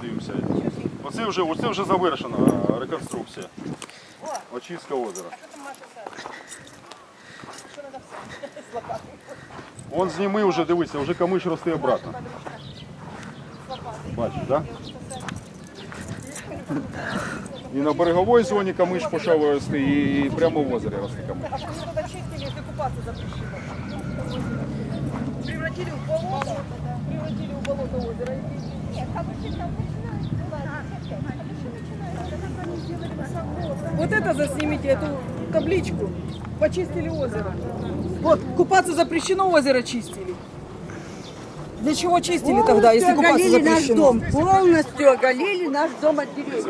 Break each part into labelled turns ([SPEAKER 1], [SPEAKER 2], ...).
[SPEAKER 1] подивимося. Оце вже завершена реконструкція. Очистка озера. Вон зніми вже, дивися, вже камиш росте обратно. Бачиш, так? І на береговій зоні камиш почав рости, і прямо в озері росте камиш.
[SPEAKER 2] А почему тогда чистили, если купаться запрещено? Превратили в болото, превратили в болото озеро. Нет, камыши там начинают. Вот это заснимите, эту табличку. Почистили озеро. Вот, купаться запрещено, озеро чистили. Для чего чистили тогда, если купаться запрещено?
[SPEAKER 3] Наш дом, полностью оголили наш дом от деревьев.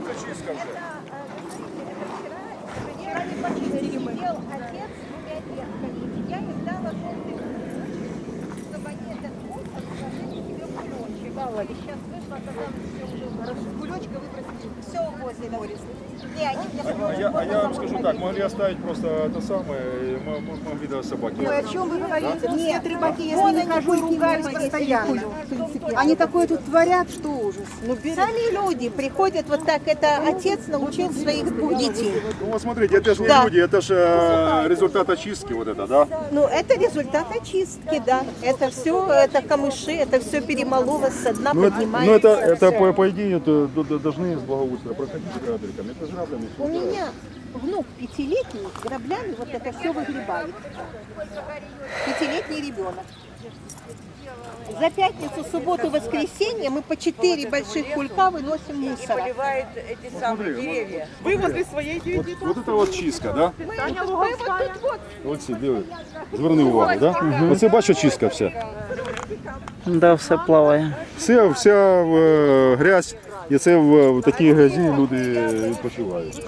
[SPEAKER 4] Вчера не почистили мы. Отец с 2 ветками. Я им дала желтый ключ, чтобы они этот мусор положили себе в кулечек. И сейчас вышла, оказалось, все уже хорошо. Кулечка выбросили. Все возле моря. Не, они мне
[SPEAKER 1] Я вам скажу так, могли оставить просто это самое, могли до собаки.
[SPEAKER 3] Ой, о чем вы говорите?
[SPEAKER 4] Да?
[SPEAKER 3] Нет, рыбаки, если не хожу, ругаюсь постоянно. Они такое тут творят, что ужас. Ну,
[SPEAKER 4] Сами люди приходят вот так, это отец научил своих детей.
[SPEAKER 1] Ну вот смотрите, это же не люди, это же результат очистки вот это, да?
[SPEAKER 4] Ну, это результат очистки, да. Это все, это камыши, это все перемололось со дна,
[SPEAKER 1] Ну
[SPEAKER 4] поднимается.
[SPEAKER 1] это по идее должны с благоустройства проходить грабельками. Это же граблями.
[SPEAKER 4] У меня внук 5-летний граблями вот это все выгребает. 5-летний ребенок. За пятницу, субботу, воскресенье мы по 4 больших кулька выносим мусора.
[SPEAKER 3] поливает эти самые деревья.
[SPEAKER 2] Вы возле своей девяти.
[SPEAKER 1] Вот это вот чистка, да?
[SPEAKER 4] Мы вот тут вот.
[SPEAKER 1] Оці, диви. Зверни увагу, да? Оце бачу чистка вся.
[SPEAKER 5] Да, все плаває.
[SPEAKER 1] Вся грязь, і це в такій грязі люди відпочивають.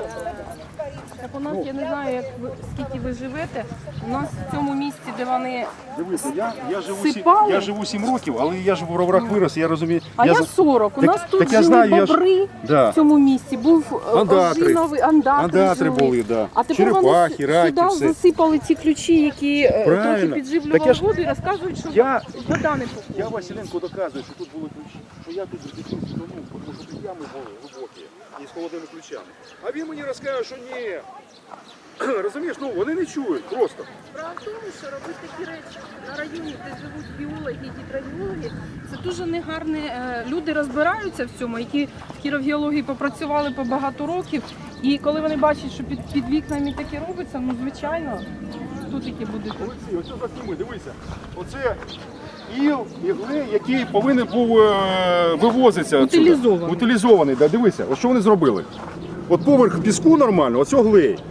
[SPEAKER 6] Так у нас, я не знаю, скільки ви живете, у нас в цьому місці, де вони...
[SPEAKER 1] Дивися,
[SPEAKER 6] Сипали?
[SPEAKER 1] я живу 7 років, але я ж в роврах вирос, я розумію.
[SPEAKER 6] А я 40. У нас тут
[SPEAKER 1] так я
[SPEAKER 6] жили
[SPEAKER 1] знаю, я ж-
[SPEAKER 6] бобри
[SPEAKER 1] Да.
[SPEAKER 6] в цьому місці. Був
[SPEAKER 1] Андатри.
[SPEAKER 6] ожиновий, андатри
[SPEAKER 1] Андатри
[SPEAKER 6] жили.
[SPEAKER 1] були, да.
[SPEAKER 6] А тепер
[SPEAKER 1] Черепахи,
[SPEAKER 6] вони
[SPEAKER 1] раки,
[SPEAKER 6] сюди
[SPEAKER 1] все.
[SPEAKER 6] засипали ці ключі, які трохи
[SPEAKER 1] Правильно.
[SPEAKER 6] підживлювали
[SPEAKER 1] Так я ж-
[SPEAKER 6] воду і розказують, що
[SPEAKER 1] Я-
[SPEAKER 6] вода не походить.
[SPEAKER 1] Я Василенко доказую, що тут були ключі, що я тут в дитинстві тонув, тому що тут ями були глибокі і з холодними ключами. А він мені розкаже, що ні. Розумієш, ну вони не чують просто.
[SPEAKER 6] Справа в тому, що робити такі речі на районі, де живуть біологи і гідрогеологи, це дуже негарне. Люди розбираються в цьому, які в хірургіології попрацювали по багато років. І коли вони бачать, що під вікнами таке робиться, ну звичайно, тут таке буде.
[SPEAKER 1] Олексій, оце засніми, дивися. Оце іл, ігле, який повинен був вивозитися.
[SPEAKER 6] Утилізований.
[SPEAKER 1] Утилізований, да, дивися, от що вони зробили. От поверх піску нормально, оце глей.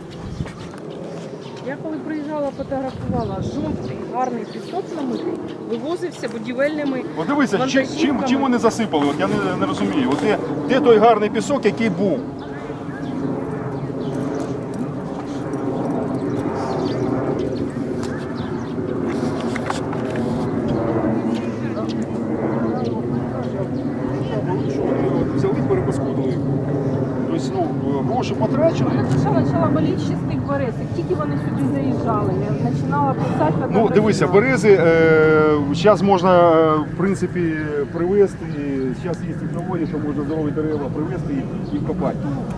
[SPEAKER 6] Я коли приїжджала, фотографувала жовтий, гарний пісок намитий, вивозився будівельними.
[SPEAKER 1] От дивися,
[SPEAKER 6] вантажівками.
[SPEAKER 1] чим вони засипали, от я не розумію. От де той гарний пісок, який був? Взяли, перепаскудили. Тобто, ну, гроші потрачені.
[SPEAKER 6] Почала боліти ще з тих берез. Як тільки вони сюди заїжджали, я починала писати.
[SPEAKER 1] Ну, дивися, берези зараз можна, в принципі, привезти. Зараз є технології, що можна здорові дерева привезти і вкопати.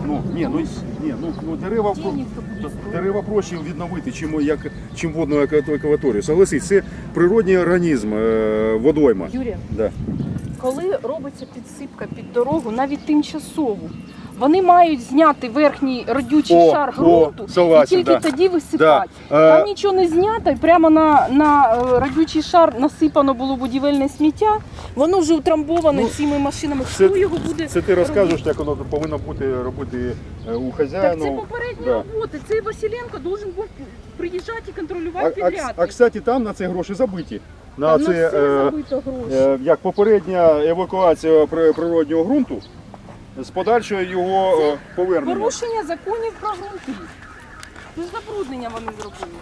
[SPEAKER 1] Дерева проще відновити, чим водну екваторію. Согласись, це природний організм, водойма.
[SPEAKER 6] Юрія,
[SPEAKER 1] Да.
[SPEAKER 6] коли робиться підсипка під дорогу, навіть тимчасову, вони мають зняти верхній родючий шар ґрунту
[SPEAKER 1] согласен,
[SPEAKER 6] і тільки
[SPEAKER 1] да.
[SPEAKER 6] тоді висипати.
[SPEAKER 1] Да.
[SPEAKER 6] Там нічого не знято, і прямо на родючий шар насипано було будівельне сміття, воно вже утрамбоване цими машинами. Хто його буде
[SPEAKER 1] Це ти
[SPEAKER 6] робити?
[SPEAKER 1] розкажеш, як воно повинно бути робити у хазяїна.
[SPEAKER 6] Так це попередні
[SPEAKER 1] Да.
[SPEAKER 6] роботи. Цей Василенко должен був приїжджати і контролювати підряд.
[SPEAKER 1] А кстати, там на це гроші забиті. На
[SPEAKER 6] Там
[SPEAKER 1] це,
[SPEAKER 6] на все забито гроші.
[SPEAKER 1] як попередня евакуація природнього ґрунту з подальшою його повернення.
[SPEAKER 6] Порушення законів про ґрунти. Це ж забруднення вони зробили.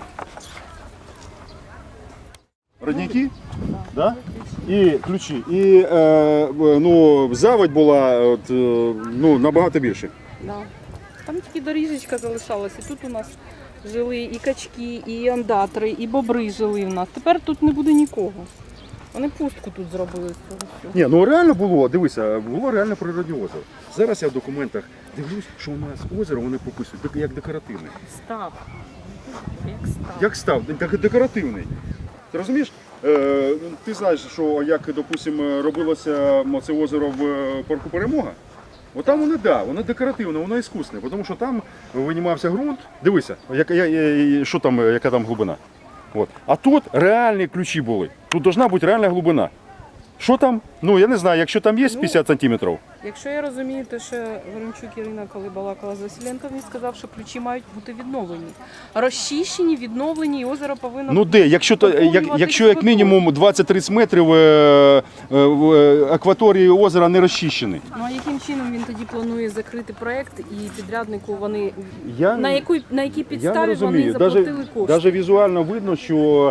[SPEAKER 1] Родники, да? І ключі. І ну, заводь була набагато більше.
[SPEAKER 6] Да. Там тільки доріжечка залишалася. Тут у нас жили і качки, і андатри, і бобри жили в нас. Тепер тут не буде нікого. Вони пустку тут зробили з цього всього.
[SPEAKER 1] Ні, ну реально було, дивися, було реально природне озеро. Зараз я в документах дивлюсь, що у нас озеро вони прописують як декоративне.
[SPEAKER 6] Став. Як став.
[SPEAKER 1] Як став? Декоративний. Ти розумієш? Ти знаєш, що як, допустимо, робилося це озеро в парку Перемога? От там воно декоративне, воно іскусне, тому що там винімався ґрунт. Дивися, що там, яка там глибина. От. А тут реальні ключі були. Тут повинна бути реальна глибина. Що там? Ну я не знаю, якщо там є 50 сантиметрів.
[SPEAKER 6] Якщо я розумію, те, що Ворончук Ірина, коли балакала з Василенком, він сказав, що ключі мають бути відновлені. Розчищені, відновлені, і озеро повинно...
[SPEAKER 1] Ну де, якщо як мінімум 20-30 метрів акваторії озера не розчищені.
[SPEAKER 6] Ну а яким чином він тоді планує закрити проект і підряднику вони...
[SPEAKER 1] Я
[SPEAKER 6] На якій
[SPEAKER 1] не
[SPEAKER 6] підставі вони
[SPEAKER 1] розумію.
[SPEAKER 6] заплатили кошти?
[SPEAKER 1] Навіть візуально видно, що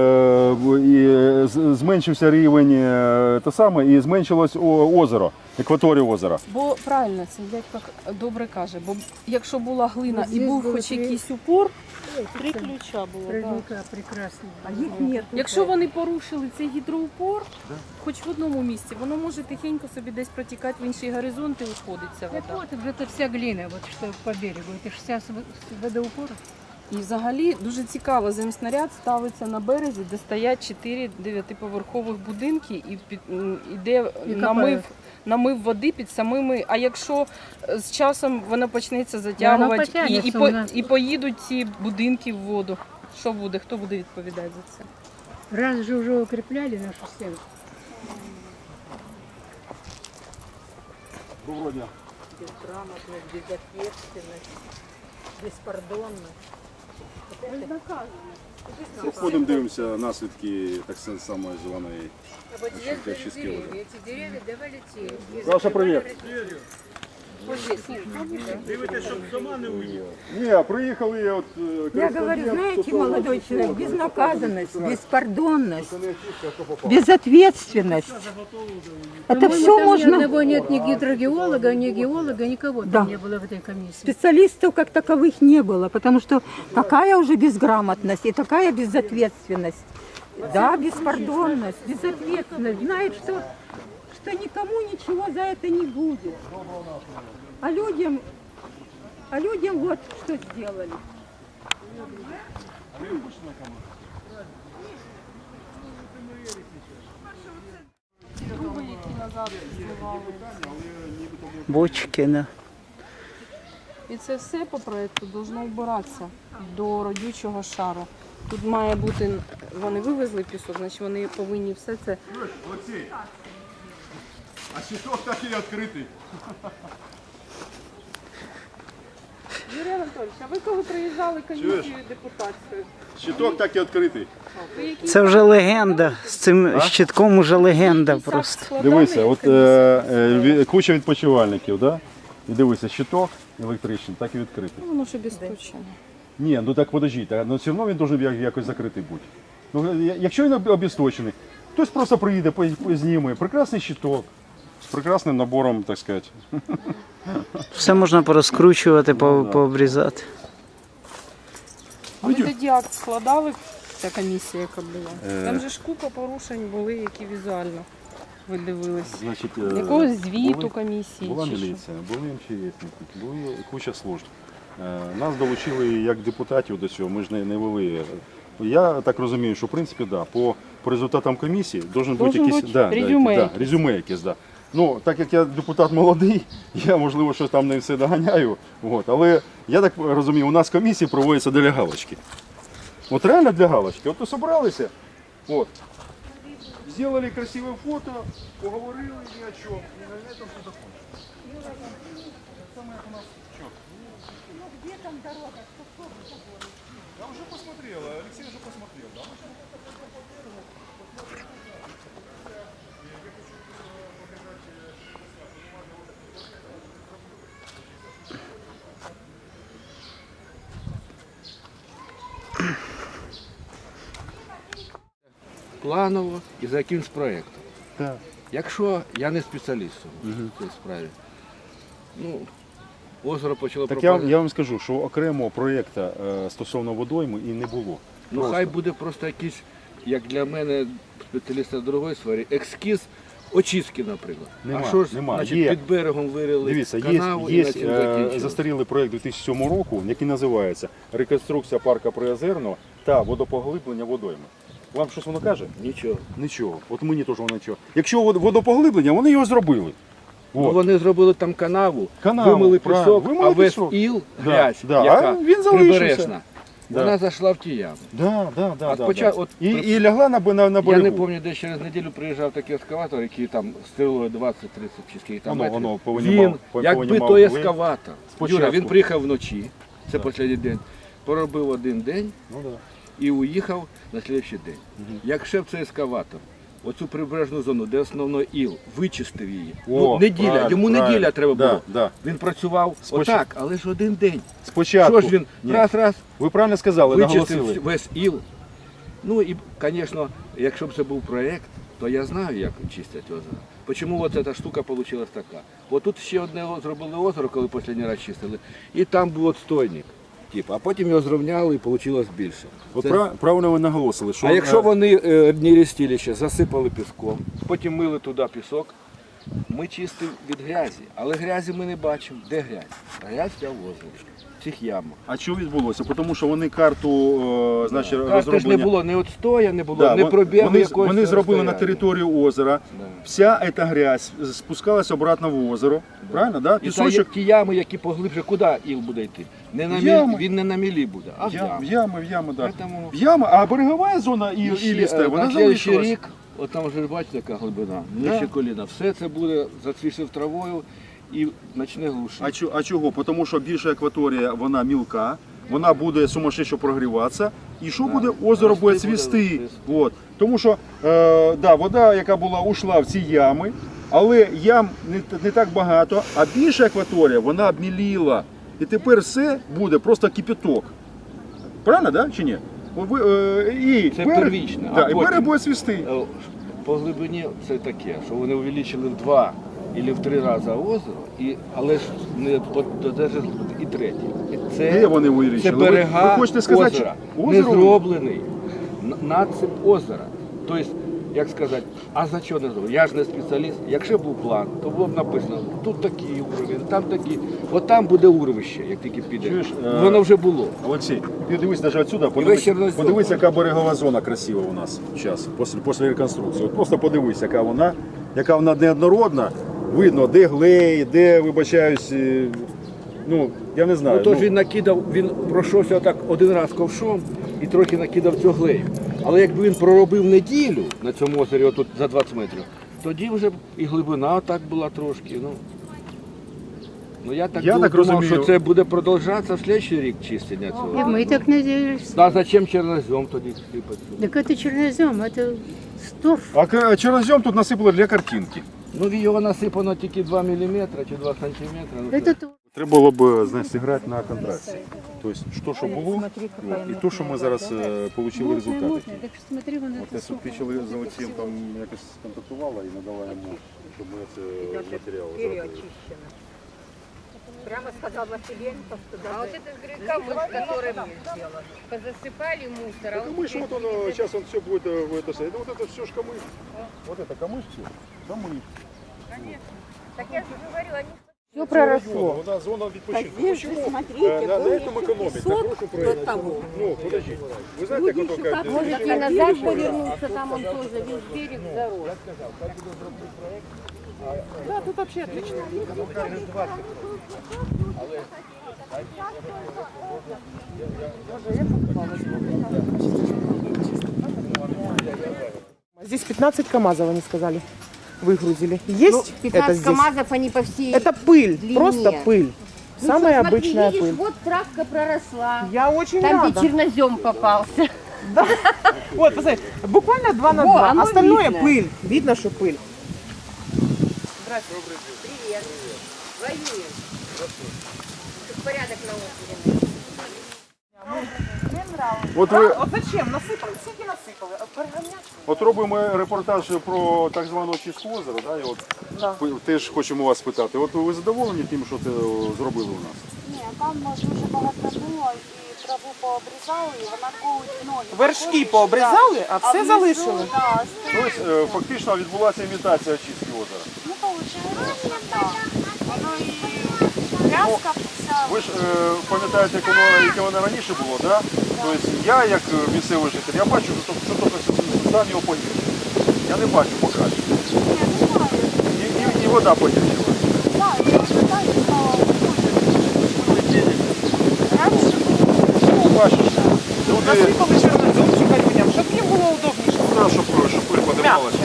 [SPEAKER 1] зменшився рівень і зменшилось озеро, акваторія озера.
[SPEAKER 6] Бо правильно, це дядько добре каже, бо якщо була глина і
[SPEAKER 3] Здесь
[SPEAKER 6] був
[SPEAKER 3] було
[SPEAKER 6] хоч
[SPEAKER 3] три-
[SPEAKER 6] якийсь упор, 3 ключа було. Так.
[SPEAKER 3] Родника прекрасно. А их нет.
[SPEAKER 6] Якщо вони порушили цей гідроупор, хоч в одному місці, воно може тихенько собі десь протікати в інший горизонт і уходиться
[SPEAKER 7] Так
[SPEAKER 6] вода.
[SPEAKER 7] вот, это вся глина, вот что по берегу. Это же вся с водоупора.
[SPEAKER 6] І взагалі дуже цікаво, земснаряд ставиться на березі, де стоять 4 9-поверхових будинки і іде намив води під самими. А якщо з часом воно почнеться затягувати
[SPEAKER 7] потягнеться у нас.
[SPEAKER 6] і поїдуть ці будинки в воду, що буде? Хто буде відповідати за це?
[SPEAKER 7] Раз же уже укрепляли нашу стену.
[SPEAKER 1] Доброго дня.
[SPEAKER 2] Безграмотность, безответственность, беспардонность.
[SPEAKER 1] Ходимо, дивимося наслідки так само зеленої чистки озера.
[SPEAKER 7] Эти деревья давали те.
[SPEAKER 1] Саша, привіт. Ні, приїхали, от...
[SPEAKER 3] Я говорю, знаете, молодой человек, безнаказанность, беспардонность, безответственность. Это все
[SPEAKER 7] Там ни
[SPEAKER 3] можно...
[SPEAKER 7] одного нет ни гидрогеолога, ни геолога, никого
[SPEAKER 3] Да.
[SPEAKER 7] там не было в этой комиссии.
[SPEAKER 3] Специалистов как таковых не было, потому что такая уже безграмотность и такая безответственность. Да, беспардонность, безответственность. Знает, что никому ничего за это не будет. А людям вот что сделали.
[SPEAKER 6] Труби, які назад зливали.
[SPEAKER 5] Бочки, да.
[SPEAKER 6] І це все по проєкту должно вбиратися до родючого шару. Тут має бути, вони вивезли пісок, значить вони повинні все це.
[SPEAKER 1] Олексій, а щиток так і відкритий.
[SPEAKER 6] Юрій Анатольович, а ви коли приїжджали комісію депутатською?
[SPEAKER 1] Щиток так і відкритий.
[SPEAKER 6] Ви який
[SPEAKER 5] Це вже легенда. З цим щитком уже легенда просто.
[SPEAKER 6] складали
[SPEAKER 1] Дивися, от
[SPEAKER 6] комісію?
[SPEAKER 1] куча відпочивальників, да? І дивися, щиток електричний, так і відкритий.
[SPEAKER 6] Воно ж обісточено.
[SPEAKER 1] Ні, ну так подождіть, ну все одно він має якось закритий бути. Ну, якщо він обісточений, хтось просто приїде, зніме. Прекрасний щиток, з прекрасним набором, так сказати.
[SPEAKER 5] Все можна порозкручувати, пообрізати.
[SPEAKER 6] А ви тоді акт складали, ця комісія, яка була? Там же ж купа порушень були, які візуально ви дивились.
[SPEAKER 1] Значить,
[SPEAKER 6] Якогось звіту комісії
[SPEAKER 1] Була
[SPEAKER 6] чи що?
[SPEAKER 1] міліція, були МЧСники, була куча служб. Нас долучили як депутатів до цього, ми ж не вели. Я так розумію, що в принципі, да, по результатам комісії должен бути якийсь резюме якесь. Да. Ну, так як я депутат молодий, я можливо щось там не все доганяю. От, але я так розумію, у нас комісії проводяться для галочки. От реально для галочки. От зібралися, от, зробили красиве фото, поговорили ні о чому, і на цьому все закончилось. Я уже посмотрел, Алексей уже посмотрел, да?
[SPEAKER 8] Планово і за якимсь проєктом.
[SPEAKER 1] Так.
[SPEAKER 8] Якщо я не спеціаліст в цій справі, ну, озеро почало
[SPEAKER 1] Так
[SPEAKER 8] пропадати.
[SPEAKER 1] я вам скажу, що окремого проєкту стосовно водойми і не було.
[SPEAKER 8] Ну хай буде просто якийсь як для мене, спеціаліста в другої сфері, ескіз очистки, наприклад.
[SPEAKER 1] Нема,
[SPEAKER 8] а що ж,
[SPEAKER 1] нема.
[SPEAKER 8] значить,
[SPEAKER 1] Є.
[SPEAKER 8] під берегом вирили
[SPEAKER 1] Дивіться,
[SPEAKER 8] канаву і
[SPEAKER 1] є
[SPEAKER 8] на цьому закінчили.
[SPEAKER 1] застарілий проєкт 2007 року, який називається «Реконструкція парка Приозерного та водопоглиблення водойми». Вам щось воно каже?
[SPEAKER 8] Нічого.
[SPEAKER 1] Нічого. От мені теж воно нічого. Якщо водопоглиблення, вони його зробили.
[SPEAKER 8] Ну,
[SPEAKER 1] От.
[SPEAKER 8] вони зробили там канаву,
[SPEAKER 1] Канаву,
[SPEAKER 8] вимили
[SPEAKER 1] правильно,
[SPEAKER 8] пісок,
[SPEAKER 1] вимили
[SPEAKER 8] а весь
[SPEAKER 1] пісок.
[SPEAKER 8] іл,
[SPEAKER 1] Да,
[SPEAKER 8] грязь,
[SPEAKER 1] да.
[SPEAKER 8] яка
[SPEAKER 1] А він залишився.
[SPEAKER 8] прибережна,
[SPEAKER 1] Да.
[SPEAKER 8] вона зайшла в ті ями.
[SPEAKER 1] Да.
[SPEAKER 8] От
[SPEAKER 1] І лягла на
[SPEAKER 8] Я не
[SPEAKER 1] берегу.
[SPEAKER 8] пам'ятаю, де через неділю приїжджав такий ескаватор, який там стрілою 20-30 чи скільки там метрів.
[SPEAKER 1] Воно
[SPEAKER 8] Він, якби той ескаватор,
[SPEAKER 1] Спочатку.
[SPEAKER 8] Юра, він приїхав вночі, це останній день, поробив один день
[SPEAKER 1] Ну, да.
[SPEAKER 8] і уїхав на слідчий день. Якщо б цей ескаватор, оцю прибережну зону, де основний іл, вичистив її, неділя,
[SPEAKER 1] правильно,
[SPEAKER 8] йому
[SPEAKER 1] правильно.
[SPEAKER 8] неділя треба було.
[SPEAKER 1] Да.
[SPEAKER 8] Він працював отак, але ж один день.
[SPEAKER 1] Спочатку.
[SPEAKER 8] Що ж він
[SPEAKER 1] Ні.
[SPEAKER 8] раз,
[SPEAKER 1] Ви правильно сказали,
[SPEAKER 8] вичистив
[SPEAKER 1] наголосили.
[SPEAKER 8] весь іл. Ну і, звісно, якщо б це був проєкт, то я знаю, як чистять озеро. Чому от ця штука вийшла така? От тут ще одне зробили озеро, коли останній раз чистили, і там був отстойник. А потім його зрівняли і вийшло більше.
[SPEAKER 1] От правильно ви наголосили, що
[SPEAKER 8] А якщо вони одні рістілища засипали піском, потім мили туди пісок, ми чистимо від грязі. Але грязі ми не бачимо. Де грязь? Грязь в озері, в цих ямах.
[SPEAKER 1] А що відбулося? Тому що вони карту, значить,
[SPEAKER 8] Карти ж
[SPEAKER 1] розроблення...
[SPEAKER 8] не було, ні отстоя не було,
[SPEAKER 1] Да,
[SPEAKER 8] не пробігу якогось.
[SPEAKER 1] вони зробили на
[SPEAKER 8] розстояння.
[SPEAKER 1] територію озера.
[SPEAKER 8] Да.
[SPEAKER 1] Вся ця грязь спускалась обратно в озеро. Правильно, да?
[SPEAKER 8] І ті ями, які поглибше, куди іл буде йти? Не на
[SPEAKER 1] Ями.
[SPEAKER 8] він не на мілі буде, а в яму.
[SPEAKER 1] В ями, да.
[SPEAKER 8] Поэтому-
[SPEAKER 1] В ями, а берегова зона іліста, вона
[SPEAKER 8] на слідчий
[SPEAKER 1] залишилась.
[SPEAKER 8] рік, от там вже бачите, яка глибина, нижче коліна. Все це буде зацвісив травою і почне глушити.
[SPEAKER 1] А чого? Тому що більша акваторія, вона мілка, вона буде сумасшедше прогріватися, і що буде? Озеро буде цвісти. От. Тому що вода, яка була, ушла в ці ями, але ям не так багато, а більша акваторія, вона обміліла. І тепер все буде просто кипяток. Правильно, да? Чи ні?
[SPEAKER 8] Це первічне, а
[SPEAKER 1] Да, і берег
[SPEAKER 8] потім-
[SPEAKER 1] буде цвісти.
[SPEAKER 8] По глибині це таке, що вони увеличили в 2 або в 3 рази озеро, але ж не додержали і третє. І
[SPEAKER 1] Де вони
[SPEAKER 8] Це
[SPEAKER 1] вирішили?
[SPEAKER 8] берега
[SPEAKER 1] Ви хочете сказати,
[SPEAKER 8] озера,
[SPEAKER 1] що
[SPEAKER 8] не
[SPEAKER 1] озеро?
[SPEAKER 8] зроблений надсип озера. Тобто, як сказати, а за що не зроблений? Я ж не спеціаліст. Якщо був план, то було б написано, тут такий уровень, там такий. От там буде урвище, як тільки піде.
[SPEAKER 1] Чуєш,
[SPEAKER 8] Воно вже було.
[SPEAKER 1] Олексій, подивись навіть отсюда,
[SPEAKER 8] весь Чорнозем.
[SPEAKER 1] подивись, яка берегова зона красива у нас зараз, після реконструкції. От просто подивись, яка вона неоднородна. Видно, де глей, де, вибачаюсь, я не знаю.
[SPEAKER 8] Тож він накидав, він пройшовся так один раз ковшом і трохи накидав цього глею. Але якби він проробив неділю на цьому озері, отут за 20 метрів, тоді вже б і глибина так була трошки. Я так думав,
[SPEAKER 1] розумію.
[SPEAKER 8] що це буде продовжатися в слідчий рік чистення цього.
[SPEAKER 7] И мы так надеялись.
[SPEAKER 8] А зачем чорнозем тоді сипати?
[SPEAKER 7] Так это чернозем, это стов.
[SPEAKER 1] А чорнозем тут насипали для картинки.
[SPEAKER 8] Його насипано тільки 2 мм чи 2 см.
[SPEAKER 7] Это то.
[SPEAKER 1] Треба було б, зіграти на контрасті. Тобто, що було, і те, що ми зараз отримали результат.
[SPEAKER 7] Так что смотри, вон
[SPEAKER 1] От
[SPEAKER 7] это
[SPEAKER 1] я підпічили з Олексієм, там якось контактувала і надала йому, щоб ми це матеріал зробили.
[SPEAKER 3] Прямо сказала Василенко, что
[SPEAKER 4] А вот этот камыш, который мы сделали, позасыпали мусор, а
[SPEAKER 1] Камыш, вот он, сейчас он все будет, это все ж камыш. Вот это камыш все, камыш.
[SPEAKER 4] Так я же говорю, они...
[SPEAKER 3] все проросло.
[SPEAKER 1] Вона зона відпочинку.
[SPEAKER 3] Здесь же,
[SPEAKER 1] Почему
[SPEAKER 3] смотрите,
[SPEAKER 1] на
[SPEAKER 3] был
[SPEAKER 1] этом
[SPEAKER 3] еще
[SPEAKER 1] экономить?
[SPEAKER 3] песок
[SPEAKER 1] Так прошу проехать.
[SPEAKER 3] до того.
[SPEAKER 1] Ну, подождите. Вы знаете, как он как...
[SPEAKER 4] Можете назад повернуться, там он тоже весь берег зарос.
[SPEAKER 2] Да, тут вообще отлично.
[SPEAKER 9] Здесь 15 КАМАЗов, они сказали, выгрузили. Есть это
[SPEAKER 4] 15
[SPEAKER 9] здесь?
[SPEAKER 4] КАМАЗов, они по всей...
[SPEAKER 9] Это пыль,
[SPEAKER 4] длине.
[SPEAKER 9] просто пыль.
[SPEAKER 4] Ну
[SPEAKER 9] Самая
[SPEAKER 4] что, смотри,
[SPEAKER 9] обычная
[SPEAKER 4] видишь,
[SPEAKER 9] пыль.
[SPEAKER 4] вот травка проросла.
[SPEAKER 9] Я очень
[SPEAKER 4] Там,
[SPEAKER 9] рада.
[SPEAKER 4] где чернозем попался.
[SPEAKER 9] Вот, посмотри, буквально 2 на
[SPEAKER 4] Во,
[SPEAKER 9] 2.
[SPEAKER 4] оно
[SPEAKER 9] Остальное
[SPEAKER 4] видно.
[SPEAKER 9] пыль. Видно, что пыль.
[SPEAKER 4] Привет. Воюем. Тут порядок на острове.
[SPEAKER 1] От ви,
[SPEAKER 9] Вот зачем? Насыпали, скільки насыпали?
[SPEAKER 1] от робимо репортаж про так звану чистку озера, да, і от теж хочемо вас спитати. От ви задоволені тим, що це зробили у нас?
[SPEAKER 10] Ні, там дуже багато було і
[SPEAKER 4] траву пообрізали, і вона колить ноги.
[SPEAKER 9] Вершки пообрізали, а все
[SPEAKER 4] внизу,
[SPEAKER 9] залишили.
[SPEAKER 4] да,
[SPEAKER 1] Тобто фактично відбулася імітація очистки озера.
[SPEAKER 4] ну, виходить, так. Воно і тряска вся.
[SPEAKER 1] Ви ж пам'ятаєте, яке воно раніше було, да? Тобто я, як місцевий житель, я бачу, що тільки стан його погіршив. Я не бачу покращення. І вода погіршила. Ну, бачиш, люди,
[SPEAKER 9] Насипали чорнозем чекарюням, щоб їм було удобніше.
[SPEAKER 1] да, щоб пиль подималася.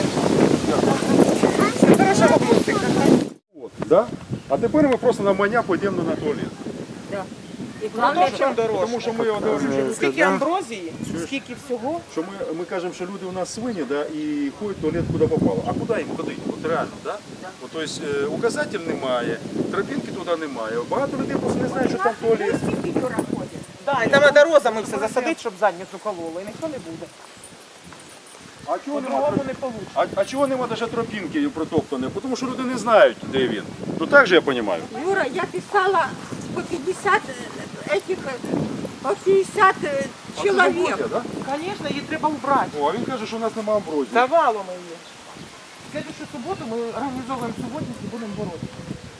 [SPEAKER 9] Це хорошо бабусик.
[SPEAKER 1] От, да? А тепер ми просто навмання підемо на туалет.
[SPEAKER 9] Продовжуємо дорожку.
[SPEAKER 1] Тому що ми говоримо,
[SPEAKER 9] Скільки амброзії, скільки всього.
[SPEAKER 1] що ми кажемо, що люди у нас свині, да, і ходять в туалет куди попало. А куди їм ходити? От реально, да? От, тобто указатель немає, тропінки туди немає. Багато людей просто не знають, що там туалет.
[SPEAKER 9] Да, і там треба розами все засадити, щоб задницю кололо, і ніхто не буде.
[SPEAKER 1] А чого нема,
[SPEAKER 9] По-другому не вийде.
[SPEAKER 1] а чого нема навіть тропінки протоптаної? Тому що люди не знають, де він. Ну так же я розумію.
[SPEAKER 3] Юра, я писала по 50 этих, по 50 человек.
[SPEAKER 1] Да?
[SPEAKER 9] Звісно, її треба убрати.
[SPEAKER 1] О, а він каже, що у нас немає амброзії.
[SPEAKER 9] Давало ми її. В следующую суботу ми організовуємо суботник і будемо боротися.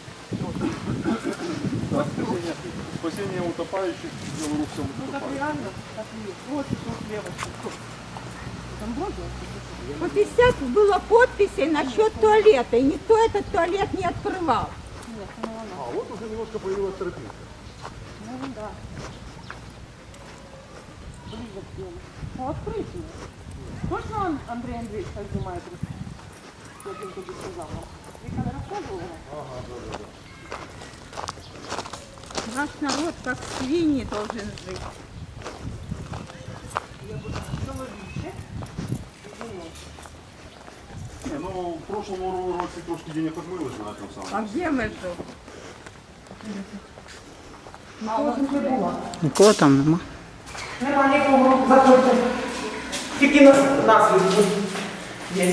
[SPEAKER 1] Спасіння утопаючих, білорусам
[SPEAKER 9] Ну так
[SPEAKER 1] утопаючих.
[SPEAKER 9] реально, так і є. Ось тут лівочка. Амброзія?
[SPEAKER 3] По 50 было подписей насчет туалета, и никто этот туалет не открывал.
[SPEAKER 1] А, от уже немножко появилась тропинка.
[SPEAKER 9] Ну, открыть ее. Точно Андрей Андреевич так знімає просто? Як він тобі сказав нам? Віка не розказувала?
[SPEAKER 3] Наш народ как свиньи должен жить.
[SPEAKER 1] Не, ну в прошлому році трошки денег отмили на цьому самому.
[SPEAKER 3] А где мы же?
[SPEAKER 5] Нікого там нема.
[SPEAKER 9] Нема нікого, заходьте. Тільки нас люди є.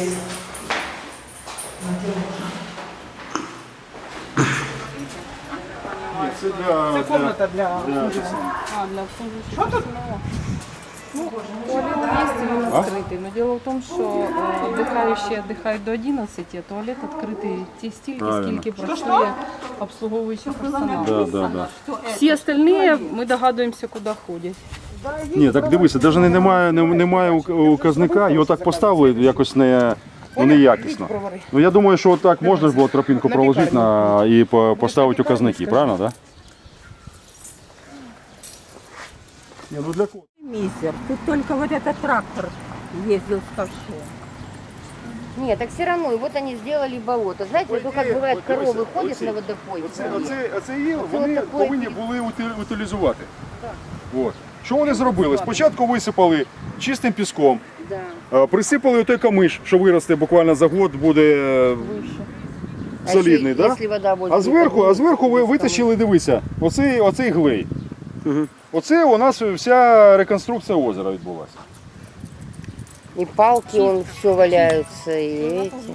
[SPEAKER 1] Ні, це для...
[SPEAKER 9] Це комната для
[SPEAKER 6] Що тут? Туалет есть, и он открытый. Но дело в том, что отдыхающие отдыхают до 11, а туалет открытый те стільки,
[SPEAKER 1] Правильно.
[SPEAKER 6] скільки працює обслуговуючий персонал.
[SPEAKER 1] Да.
[SPEAKER 6] Всі остальные, ми догадуємося, куди ходять.
[SPEAKER 1] Ні, так дивися, навіть немає указника, його так поставили якось неякісно. Ну я думаю, що так можна ж було тропінку проложити і поставити указники, правильно, так? Ні, ну для кого?
[SPEAKER 3] Мизер. Тут только вот этот трактор ездил с ковшом.
[SPEAKER 4] Нет, так все равно, и вот они сделали болото. Знаете, вот как бывает, коровы ходят на водопой.
[SPEAKER 1] Оце є, вони повинні були утилізувати. От. Що вони зробили? Спочатку висипали чистим піском, присипали той камиш, що виросте буквально за год, буде солідний, да? А зверху ви витащили, дивися, оцей глей. Оце у нас вся реконструкція озера відбулася.
[SPEAKER 4] И палки, он все валяются, и эти.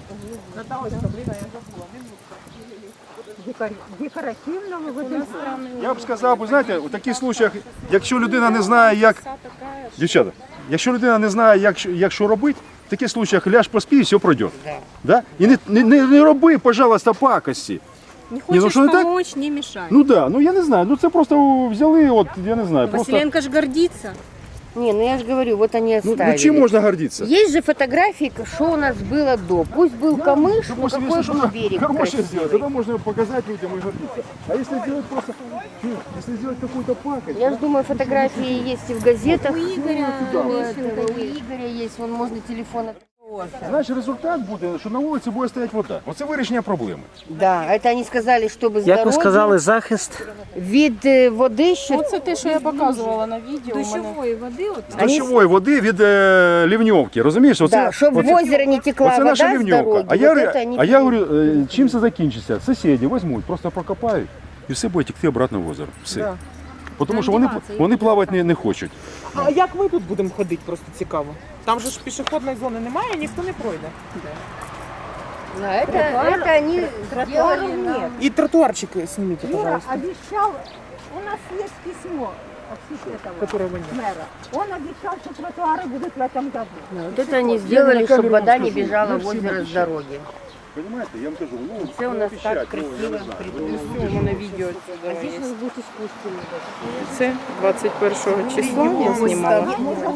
[SPEAKER 3] Декоративного вот этого.
[SPEAKER 1] Я б сказав, ви знаєте, у таких случаях, якщо людина не знає, як... Дівчата, якщо людина не знає, як що робити, в таких случаях ляж поспи і все пройде. Да? І не роби, пожалуйста, пакості.
[SPEAKER 10] Не хочешь помочь, не мешай.
[SPEAKER 1] Ну да, ну я не знаю, ну це просто взяли, от, я не знаю, просто...
[SPEAKER 10] Василенко ж гордится.
[SPEAKER 4] Не, ну я же говорю, вот они оставили.
[SPEAKER 1] Ну чим можна гордитися?
[SPEAKER 4] Есть же фотографии, что у нас было до. Пусть был камыш, но
[SPEAKER 1] Допустим,
[SPEAKER 4] какой
[SPEAKER 1] если
[SPEAKER 4] был
[SPEAKER 1] что-то
[SPEAKER 4] берег
[SPEAKER 1] хорошее сделать,
[SPEAKER 4] красивый.
[SPEAKER 1] тогда можно показать людям и гордиться. А если сделать просто, если сделать какую-то пакость...
[SPEAKER 4] Я же думаю, фотографии есть и в газетах.
[SPEAKER 10] У Игоря
[SPEAKER 4] У Игоря есть, вон можно телефон.
[SPEAKER 1] Значить, результат буде, що на вулиці буде стояти вода. Оце вирішення проблеми.
[SPEAKER 4] Да, это они сказали, чтобы
[SPEAKER 5] Як
[SPEAKER 4] здоровье,
[SPEAKER 5] ви сказали, захист?
[SPEAKER 4] вид воды, что...
[SPEAKER 6] Оце те, що я показувала на відео. у мене.
[SPEAKER 10] Душевой воды, вот
[SPEAKER 1] З дощової води від лівньовки, розумієш? Оце,
[SPEAKER 4] Да, чтобы в озеро не текла
[SPEAKER 1] оце
[SPEAKER 4] вода
[SPEAKER 1] наша
[SPEAKER 4] с
[SPEAKER 1] лівньовка.
[SPEAKER 4] дороги.
[SPEAKER 1] А я,
[SPEAKER 4] вот это они...
[SPEAKER 1] я говорю, чим це закінчиться? Сусіди візьмуть, просто прокопають і все буде текти обратно в озеро. Все.
[SPEAKER 9] Да.
[SPEAKER 1] Тому що вони плавати не хочуть.
[SPEAKER 9] А як ми тут будемо ходити, просто цікаво. Там же ж пішохідної зони немає, ніхто не пройде.
[SPEAKER 4] Да, это они сделали
[SPEAKER 3] Тротуаров нет.
[SPEAKER 9] І тротуарчики зніміть,
[SPEAKER 3] Юра
[SPEAKER 9] пожалуйста.
[SPEAKER 3] обещал, у нас есть письмо этого мэра. Он обещал, что тротуары будут в этом году.
[SPEAKER 11] Вот это они сделали, чтобы вода не бежала в озеро с дороги.
[SPEAKER 1] Понимаете, я вам кажу, ну,
[SPEAKER 11] Це у нас
[SPEAKER 1] обіцяють,
[SPEAKER 11] так
[SPEAKER 1] ну, я
[SPEAKER 11] красиво
[SPEAKER 1] не знаю.
[SPEAKER 11] придумано.
[SPEAKER 6] У мене відео
[SPEAKER 11] А
[SPEAKER 6] сюди
[SPEAKER 11] здесь
[SPEAKER 6] є.
[SPEAKER 11] у нас будет искусственный.
[SPEAKER 6] Це 21 числа я знімала.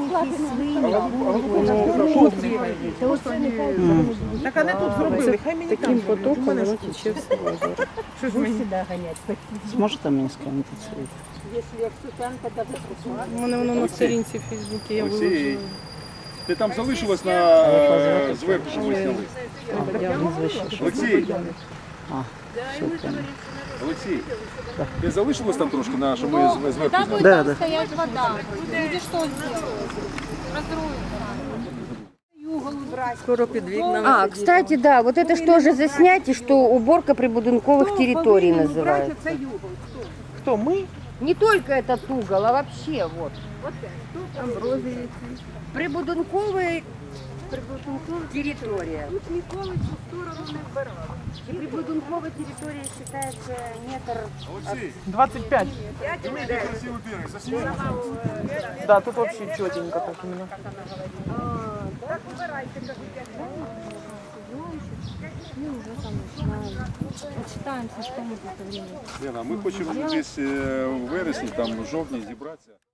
[SPEAKER 2] Так вони тут зробили, хай мені
[SPEAKER 6] Таким потоком воно тече все в озеро.
[SPEAKER 2] Що ж мені гонять?
[SPEAKER 5] Зможете мені скинути це?
[SPEAKER 3] Если Оксюсенко даже пришла.
[SPEAKER 6] У мене воно на сторінці в Фейсбуці, я
[SPEAKER 1] Олексій,
[SPEAKER 6] виложила.
[SPEAKER 1] ти там залишилась на зверху, що ви сняли? Олексій, Олексій, ти залишилась там трошки, на, що ми зверху зняли?
[SPEAKER 5] Да, да.
[SPEAKER 10] Стоять вода. Люди что сделают? Разруются.
[SPEAKER 2] Скоро під вікнами.
[SPEAKER 11] А, кстати, да, вот это что же заснять, и что уборка прибудинковых территорий называется.
[SPEAKER 2] Хто, ми?
[SPEAKER 11] Не только этот угол, а вообще вот. Прибудинковая территория. И прибудинковая территория считается метр.
[SPEAKER 2] 25. Да, тут вообще четенько так именно.
[SPEAKER 10] Отчитаемся, что мы тут время.
[SPEAKER 1] Лена, ми хочемо десь в вересні, там, в жовтні зібратися.